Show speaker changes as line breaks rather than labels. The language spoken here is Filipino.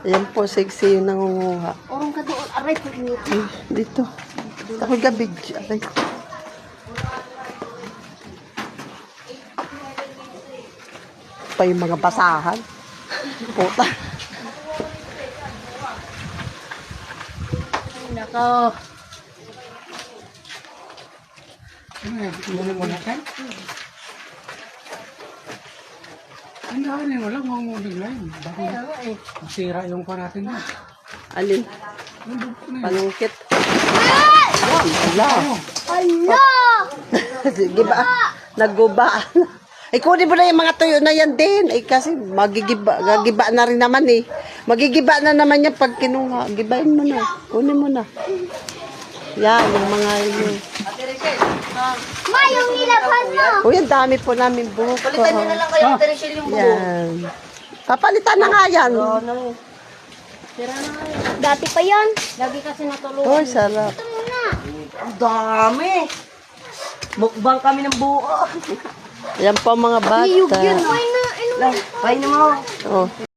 Ayan po, sexy yung nangunguha.
Orong ka doon. Aray po niyo.
Dito. Ako gabi. Aray. Pa yung mga basahan. Puta.
Nako.
Ano mo na kan? Ano ka na wala mo bigla yun. Bakit masira yung pa natin na.
Alin? Panungkit. Yan, ala.
Ala!
Sige ba? Nagguba. Ay, kunin mo na yung mga tuyo na yan din. Ay, kasi gagiba na rin naman eh. Magigiba na naman yan pag kinuha. Gibain mo na. Kunin mo na. Yan, yung mga yun.
Ma, yung nilaban mo.
Uy, ang dami po namin buhok.
Palitan niyo na lang kayo, Ate Rachel, yung buo.
Yan. Papalitan na nga yan.
Tira na kayo. Dati pa yan. Lagi kasi natulungan.
Uy, sarap.
Ito muna.
Ang dami. Mukbang kami ng buo.
Yan po ang mga bata.
Iyog yun. Ay na, ano.
Pahin mo.
Oh.